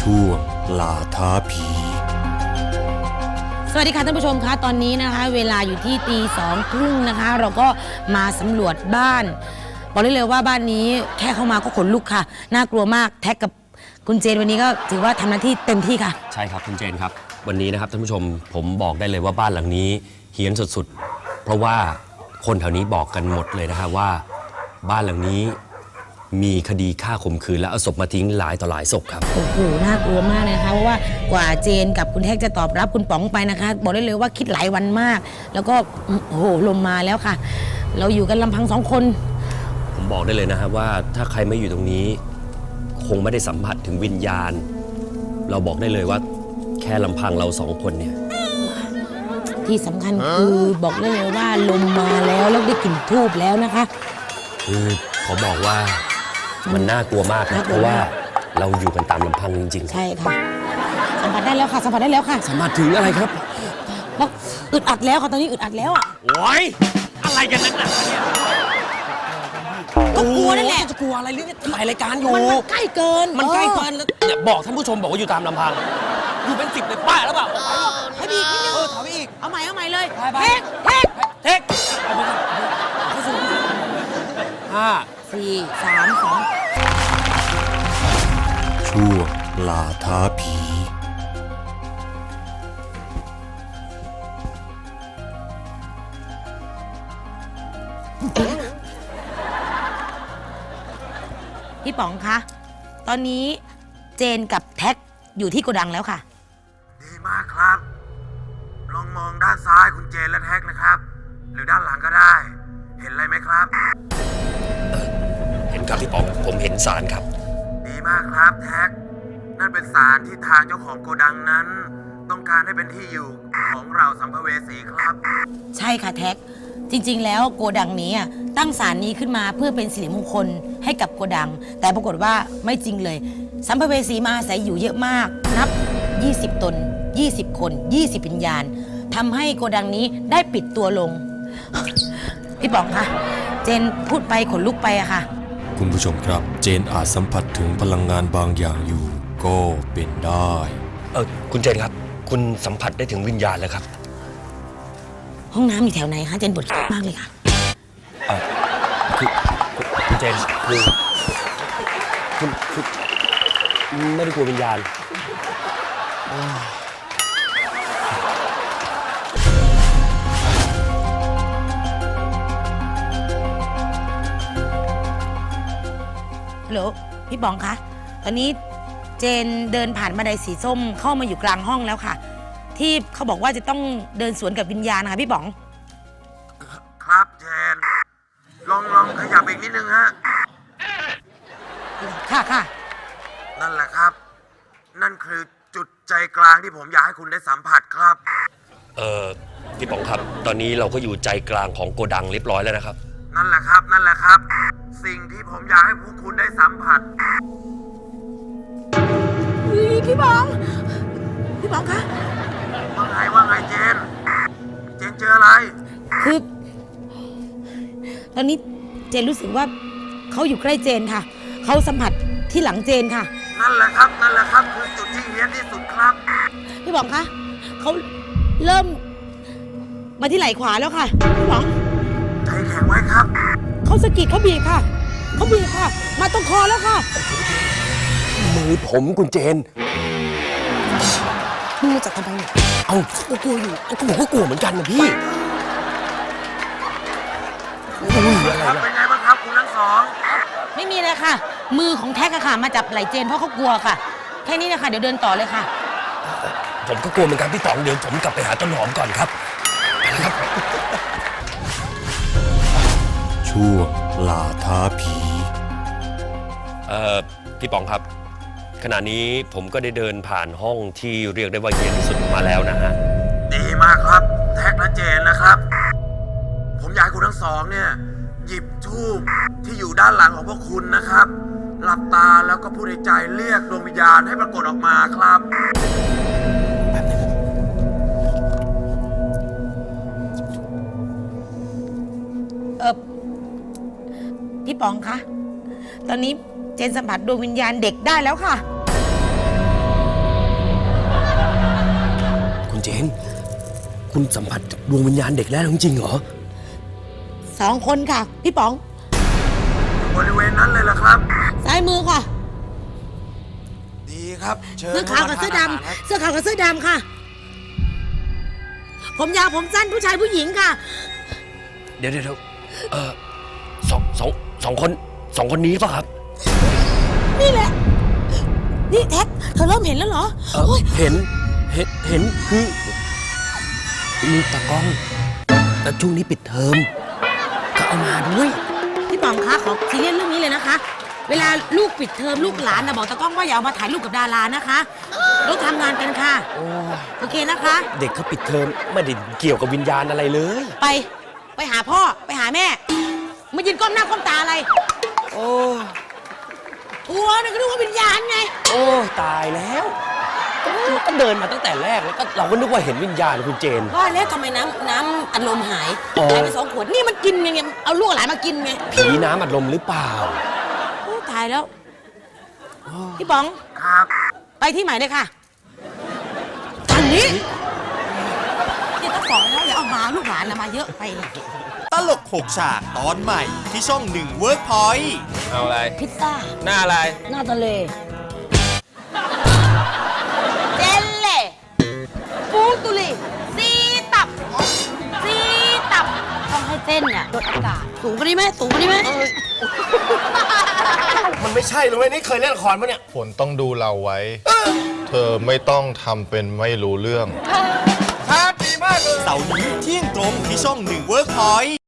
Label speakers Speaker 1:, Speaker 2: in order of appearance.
Speaker 1: ช่วงล่าท้าผี
Speaker 2: สวัสดีค่ะท่านผู้ชมคะตอนนี้นะคะเวลาอยู่ที่ตี 2:30นะคะเราก็มาสำรวจบ้านบอกได้เลยว่าบ้านนี้แค่เข้ามาก็ขนลุกค่ะน่ากลัวมากแท็กกับคุณเจนวันนี้ก็ถือว่าทำหน้าที่เต็มที่ค่ะ
Speaker 3: ใช่ครับคุณเจนครับวันนี้นะครับท่านผู้ชมผมบอกได้เลยว่าบ้านหลังนี้เฮี้ยนสุดๆเพราะว่าคนแถวนี้บอกกันหมดเลยนะครับว่าบ้านหลังนี้มีคดีฆ่าข่มขืนและเอาศพมาทิ้งหลายต่อหลายศพครับ
Speaker 2: โอ้โหน่ากลัวมากนะคะเพราะว่ากว่าเจนกับคุณแท็กจะตอบรับคุณป๋องไปนะคะบอกได้เลยว่าคิดหลายวันมาก แล้วก็โอ้โหลมมาแล้วค่ะ เราอยู่กันลำพัง2 คน
Speaker 3: ผมบอกได้เลยนะครับว่าถ้าใครไม่อยู่ตรงนี้คงไม่ได้สัมผัสถึงวิญญาณเราบอกได้เลยว่าแค่ลำพังเรา2 คนเนี่ย
Speaker 2: ที่สำคัญคือบอกได้เลยว่าลมมาแล้วได้กลิ่นทูบแล้วนะคะ
Speaker 3: คือขอบอกว่ามันน่ากลัวมากนะเพราะว่าเราอยู่กันตามลำพังจริงๆ
Speaker 2: ใช่ค่ะสัมผัสได้แล้วค่ะสัมผัสได้แล้วค่ะ
Speaker 3: สัมผัสถึงอะไรครับ
Speaker 2: แล้วอึดอัดแล้วค่ะตอนนี้อึดอัดแล้วอ่ะ
Speaker 3: โอ้ยอะไรกันนักหนาเนี่ย
Speaker 2: ก็กลัวนั่นแหละ
Speaker 3: จะกลัวอะไรเรื่องถ่ายรายการอยู่
Speaker 2: มันใกล้เกิน
Speaker 3: มันใกล้เกินแล้วอย่าบอกท่านผู้ชมบอกว่าอยู่ตามลำพังอยู่เป็น10เลยป้าแล้วเปล่า
Speaker 2: ให้บีอีกนิดนึง
Speaker 3: ถอยไปอีก
Speaker 2: เอาใหม่เลย
Speaker 3: เทคเอาไปเข้าสู่5
Speaker 2: 4 3 2
Speaker 1: ช่วงล่าท้าผี
Speaker 2: พี่ป๋องคะตอนนี้เจนกับแท็กอยู่ที่โกดังแล้วค่ะ
Speaker 4: ดีมากครับลองมองด้านซ้ายคุณเจนและแท็กนะครับ หรือด้านหลังก็ได้ เห็นอะไรไหมครับ
Speaker 3: เห็นครับพี่ป๋องผมเห็นสารครับ
Speaker 4: ดีมากครับแท็กนั่นเป็นสารที่ทางเจ้าของโกดังนั้น ต้องการให้เป็นที่อยู่ของเราสัมภเวสีครับ
Speaker 2: ใช่ค่ะแท็กจริงๆแล้วโกดังนี้ตั้งศาลนี้ขึ้นมาเพื่อเป็นสิริมงคลให้กับโกดังแต่ปรากฏว่าไม่จริงเลยสัมภเวสีมาอาศัยอยู่เยอะมากนับ20 ตน20 คน20 วิญญาณทำให้โกดังนี้ได้ปิดตัวลงพี่ป๋องคะเจนพูดไปขนลุกไปอะค่ะ
Speaker 1: คุณผู้ชมครับเจนอาจสัมผัสถึงพลังงานบางอย่างอยู่ก็เป็นได้
Speaker 3: คุณเจนครับคุณสัมผัสได้ถึงวิญญาณแล้วครับ
Speaker 2: ห้องน้ำอยู่แถวไหนคะเจนปวดมากเลยค่ะ
Speaker 3: คือคุณเจนคือคุณไม่ได้กลัววิญญาณ
Speaker 2: ฮัลโหลพี่ป๋องคะตอนนี้เจนเดินผ่านบันไดสีส้มเข้ามาอยู่กลางห้องแล้วค่ะที่เขาบอกว่าจะต้องเดินสวนกับวิญญาณนะคะพี่ป๋อง
Speaker 4: ครับเจนลองขยับอีกนิดนึงฮะ
Speaker 2: ค่ะ
Speaker 4: นั่นแหละครับนั่นคือจุดใจกลางที่ผมอยากให้คุณได้สัมผัสครับ
Speaker 3: พี่ป๋องครับตอนนี้เราก็อยู่ใจกลางของโกดังเรียบร้อยแล้วนะครับ
Speaker 4: นั่นแหละครับสิ่งที่ผมอยากให้พวกคุณได้สัมผัส
Speaker 2: พี่ป๋องคะ
Speaker 4: ว่าไงเจนเจออะไร
Speaker 2: คือตอนนี้เจนรู้สึกว่าเขาอยู่ใกล้เจนค่ะเขาสัมผัสที่หลังเจนค่ะ
Speaker 4: นั่นแหละครับคือจุดที่เฮี้ยนที่สุดครับ
Speaker 2: พี่ป๋องคะเขาเริ่มมาที่ไหล่ขวาแล้วค่ะพี่ป๋อง
Speaker 4: ใจแข็งไว้ครับ
Speaker 2: เขาสะกิดเขาบีบค่ะมาตรงคอแล้วค่ะ
Speaker 3: มือผมคุณเจน
Speaker 2: มึงจะทำไมเนี่ย
Speaker 3: เอาก็กลัวอยู่ก็ผมก็กลัวเหมือนกันนะพี่
Speaker 4: เป็นไงบ้างครับคุณทั้งสอง
Speaker 2: ไม่มีเลยค่ะมือของแท็กค่ะมาจับไหล่เจนเพราะเขากลัวค่ะแค่นี้นะคะเดี๋ยวเดินต่อเลยค่ะ
Speaker 3: ผมก็กลัวเหมือนกันพี่ป๋องเดี๋ยวผมกลับไปหาต้นหอมก่อนครับ
Speaker 1: ช่วงล่าท้าผี
Speaker 3: พี่ป๋องครับขณะนี้ผมก็ได้เดินผ่านห้องที่เรียกได้ว่าเย็นที่สุดมาแล้วนะฮะ
Speaker 4: ดีมากครับแท็กและเจนนะครับผมอยากให้คุณทั้งสองเนี่ยหยิบธูปที่อยู่ด้านหลังของพวกคุณนะครับหลับตาแล้วก็พูดในใจเรียกดวงวิญญาณให้ปรากฏออกมาครับ
Speaker 2: พี่ป๋องคะตอนนี้เจนสัมผัสดวงวิญญาณเด็กได้แล้วค่ะ
Speaker 3: เจน คุณสัมผัสดวงวิญญาณเด็กแล้วจริงๆเหรอ
Speaker 2: 2 คนค่ะ พี่ป๋อง
Speaker 4: บริเวณนั้นเลยล่ะครับ
Speaker 2: ซ้ายมือค่ะ
Speaker 4: ดีครับเชิญ
Speaker 2: เสื้อขาวกับเสื้อดำเสื้อขาวกับเสื้อดำค่ะ ผมยาวผมสั้นผู้ชายผู้หญิงค่ะ
Speaker 3: เดี๋ยวสองคนนี้ป่ะครับ
Speaker 2: นี่แหละ นี่แท็กเธอเริ่มเห็นแล้วเหรอโอ๊ย
Speaker 3: เห็นคือมีตากล้อง แต่ช่วงนี้ปิดเทอมก็เอามาด้วย
Speaker 2: พี่ป๋องคะขอซีเรียสเรื่องนี้เลยนะคะ เวลาลูกปิดเทอมลูกหลานนะบอกตากล้องว่าอย่าเอามาถ่ายรูปกับดารานะคะเราทำงานกันค่ะโอเคนะคะ
Speaker 3: เด็กเขาปิดเทอมไม่ได้เกี่ยวกับวิญญาณอะไรเลย
Speaker 2: ไปหาพ่อไปหาแม่มายืนก้มหน้าก้มตาอะไร
Speaker 3: โอ้
Speaker 2: ทัวร์เนี่ยก็นึกว่าวิญญาณไง
Speaker 3: โอ้ตายแล้วก็เดินมาตั้งแต่แรกแล้วก็เราก็นึกว่าเห็นวิญญาณคุณเจน
Speaker 2: ว่าแล้วทำไมน้ำอัดลมหาย
Speaker 3: อ๋อ
Speaker 2: หายไป2 ขวดนี่มันกินไงเอาลูกหลานมากินไง
Speaker 3: ผีน้ำอัดลมหรือเปล่า
Speaker 2: โอ้ตายแล้วพี่ป๋อง
Speaker 4: ครับ
Speaker 2: ไปที่ใหม่เลยค่ะทางนี้นี่ต้องบอกแล้วอย่าเอามาลูกหลานนะมาเยอะไป
Speaker 5: ตลก6ฉากตอนใหม่ที่ช่อง1 Workpoint
Speaker 6: เอาอะไร
Speaker 2: พิซซ่า
Speaker 6: หน้าอะไร
Speaker 2: หน้าทะเลเจลเล่ปูตุลีซีตับต้องให้เต้นเนี่ยโดนอากาศสูงกว่านี้ไหมสูงกว่านี้ไหม
Speaker 3: มันไม่ใช่เลยนี่เคยเล่นละครปะเนี่ย
Speaker 7: ฝนต้องดูเราไว้ เธอไม่ต้องทำเป็นไม่รู้เรื่อง
Speaker 5: เสาร์นี้เที่ยงตรงที่ช่อง1 Workpoint